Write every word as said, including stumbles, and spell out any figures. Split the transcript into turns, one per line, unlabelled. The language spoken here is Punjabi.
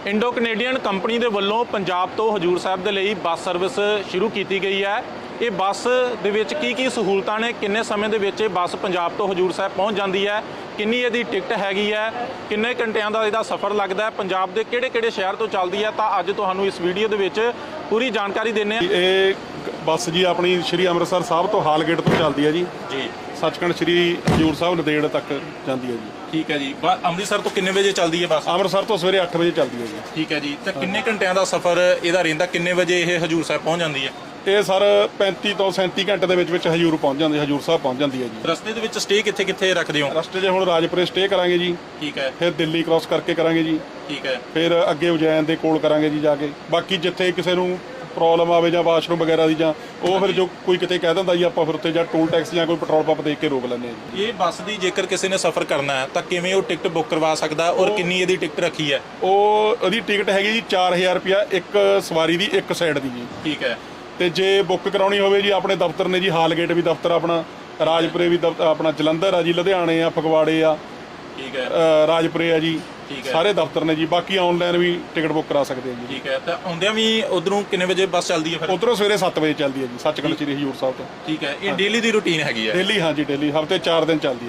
ਇੰਡੋ ਕੈਨੇਡੀਅਨ ਕੰਪਨੀ ਦੇ ਵੱਲੋਂ ਪੰਜਾਬ ਤੋਂ ਹਜੂਰ ਸਾਹਿਬ ਦੇ ਲਈ ਬੱਸ ਸਰਵਿਸ ਸ਼ੁਰੂ ਕੀਤੀ ਗਈ ਹੈ। ਇਹ ਬੱਸ ਦੇ ਵਿੱਚ ਕੀ ਕੀ ਸਹੂਲਤਾਂ ਨੇ, ਕਿੰਨੇ ਸਮੇਂ ਦੇ ਵਿੱਚ ਇਹ ਬੱਸ ਪੰਜਾਬ ਤੋਂ ਹਜੂਰ ਸਾਹਿਬ ਪਹੁੰਚ ਜਾਂਦੀ ਹੈ, ਕਿੰਨੀ ਇਹਦੀ ਟਿਕਟ ਹੈਗੀ ਹੈ, ਕਿੰਨੇ ਘੰਟਿਆਂ ਦਾ ਇਹਦਾ ਸਫ਼ਰ ਲੱਗਦਾ ਹੈ, ਪੰਜਾਬ ਦੇ ਕਿਹੜੇ ਕਿਹੜੇ ਸ਼ਹਿਰ ਤੋਂ ਚੱਲਦੀ ਹੈ, ਤਾਂ ਅੱਜ ਤੁਹਾਨੂੰ ਇਸ ਵੀਡੀਓ ਦੇ ਵਿੱਚ ਪੂਰੀ ਜਾਣਕਾਰੀ ਦਿੰਦੇ ਹਾਂ।
ਇਹ ਬੱਸ ਜੀ ਆਪਣੀ ਸ਼੍ਰੀ ਅੰਮ੍ਰਿਤਸਰ ਸਾਹਿਬ ਤੋਂ ਹਾਲਗੇਟ ਤੋਂ ਚੱਲਦੀ ਹੈ ਜੀ
ਜੀ
ਸੱਚਖੰਡ ਸ਼੍ਰੀ ਹਜੂਰ ਸਾਹਿਬ ਨੰਦੇੜ ਤੱਕ ਜਾਂਦੀ ਹੈ ਜੀ।
ਠੀਕ ਹੈ ਜੀ। ਅੰਮ੍ਰਿਤਸਰ ਤੋਂ ਕਿੰਨੇ ਵਜੇ ਚੱਲਦੀ ਹੈ ਬੱਸ?
ਅੰਮ੍ਰਿਤਸਰ ਤੋਂ ਸਵੇਰੇ ਅੱਠ ਵਜੇ ਚੱਲਦੀ ਹੈ ਜੀ।
ਠੀਕ ਹੈ ਜੀ। ਤੇ ਕਿੰਨੇ ਘੰਟਿਆਂ ਦਾ ਸਫ਼ਰ ਇਹਦਾ ਰਹਿੰਦਾ, ਕਿੰਨੇ ਵਜੇ ਇਹ ਹਜੂਰ ਸਾਹਿਬ ਪਹੁੰਚ ਜਾਂਦੀ ਹੈ?
ਇਹ ਸਰ ਪੈਂਤੀ ਤੋਂ ਸੈਂਤੀ ਘੰਟੇ ਦੇ ਵਿੱਚ ਵਿੱਚ ਹਜੂਰ ਪਹੁੰਚ ਜਾਂਦੀ ਹਜੂਰ ਸਾਹਿਬ ਪਹੁੰਚ ਜਾਂਦੀ ਹੈ ਜੀ।
ਰਸਤੇ ਦੇ ਵਿੱਚ ਸਟੇ ਕਿੱਥੇ ਕਿੱਥੇ ਰੱਖਦੇ ਹੋ?
ਰਸਤੇ 'ਚ ਹੁਣ ਰਾਜਪੁਰੇ ਸਟੇ ਕਰਾਂਗੇ ਜੀ।
ਠੀਕ ਹੈ।
ਫਿਰ ਦਿੱਲੀ ਕ੍ਰਾਸ ਕਰਕੇ ਕਰਾਂਗੇ ਜੀ।
ਠੀਕ ਹੈ।
ਫਿਰ ਅੱਗੇ ਉਜੈਨ ਦੇ ਕੋਲ ਕਰਾਂਗੇ ਜੀ ਜਾ ਕੇ। ਬਾਕੀ ਜਿੱਥੇ ਕਿਸੇ ਨੂੰ ਪ੍ਰੋਬਲਮ ਆਵੇ ਜਾਂ ਵਾਸ਼ਰੂਮ ਵਗੈਰਾ ਦੀ ਜਾਂ ਉਹ ਫਿਰ ਜੋ ਕੋਈ ਕਿਤੇ ਕਹਿ ਦਿੰਦਾ ਜੀ ਆਪਾਂ ਫਿਰ ਉੱਥੇ ਜਾਂ ਟੋਲ ਟੈਕਸ ਜਾਂ ਕੋਈ ਪੈਟਰੋਲ ਪੰਪ ਦੇਖ ਕੇ ਰੋਕ ਲੈਂਦੇ ਹਾਂ ਜੀ।
ਇਹ ਬੱਸ ਦੀ ਜੇਕਰ ਕਿਸੇ ਨੇ ਸਫ਼ਰ ਕਰਨਾ ਹੈ ਤਾਂ ਕਿਵੇਂ ਉਹ ਟਿਕਟ ਬੁੱਕ ਕਰਵਾ ਸਕਦਾ ਔਰ ਕਿੰਨੀ ਇਹਦੀ ਟਿਕਟ ਰੱਖੀ ਹੈ?
ਉਹ ਉਹਦੀ ਟਿਕਟ ਹੈਗੀ ਜੀ ਚਾਰ ਹਜ਼ਾਰ ਰੁਪਇਆ ਇੱਕ ਸਵਾਰੀ ਦੀ ਇੱਕ ਸਾਈਡ ਦੀ ਜੀ।
ਠੀਕ ਹੈ।
ਤੇ ਜੇ ਬੁੱਕ ਕਰਾਉਣੀ ਹੋਵੇ ਜੀ ਆਪਣੇ ਦਫ਼ਤਰ ਨੇ ਜੀ, ਹਾਲਗੇਟ ਵੀ ਦਫ਼ਤਰ ਆਪਣਾ, ਰਾਜਪੁਰੇ ਵੀ ਦਫ਼ਤਰ ਆਪਣਾ, ਜਲੰਧਰ ਆ ਜੀ, ਲੁਧਿਆਣੇ ਆ, ਫਗਵਾੜੇ ਆ,
ਠੀਕ ਹੈ,
ਰਾਜਪੁਰੇ ਆ ਜੀ, ਸਾਰੇ ਦਫ਼ਤਰ ਨੇ ਜੀ। ਬਾਕੀ ਆਨਲਾਈਨ ਵੀ ਟਿਕਟ ਬੁੱਕ ਕਰਾ ਸਕਦੇ ਆ ਜੀ।
ਠੀਕ ਹੈ। ਤਾਂ ਆਉਂਦਿਆਂ ਵੀ ਉਧਰੋਂ ਕਿੰਨੇ ਵਜੇ ਬੱਸ ਚੱਲਦੀ ਹੈ ਫਿਰ?
ਉਧਰੋਂ ਸਵੇਰੇ ਸੱਤ ਵਜੇ ਚੱਲਦੀ ਹੈ ਜੀ ਸੱਚਖੰਡ ਸ਼੍ਰੀ ਹਜੂਰ ਸਾਹਿਬ ਤੋਂ।
ਠੀਕ ਹੈ। ਇਹ ਡੇਲੀ ਦੀ ਰੂਟੀਨ ਹੈਗੀ ਹੈ?
ਡੇਲੀ, ਹਾਂਜੀ ਡੇਲੀ, ਹਫ਼ਤੇ ਚਾਰ ਦਿਨ ਚੱਲਦੀ ਹੈ।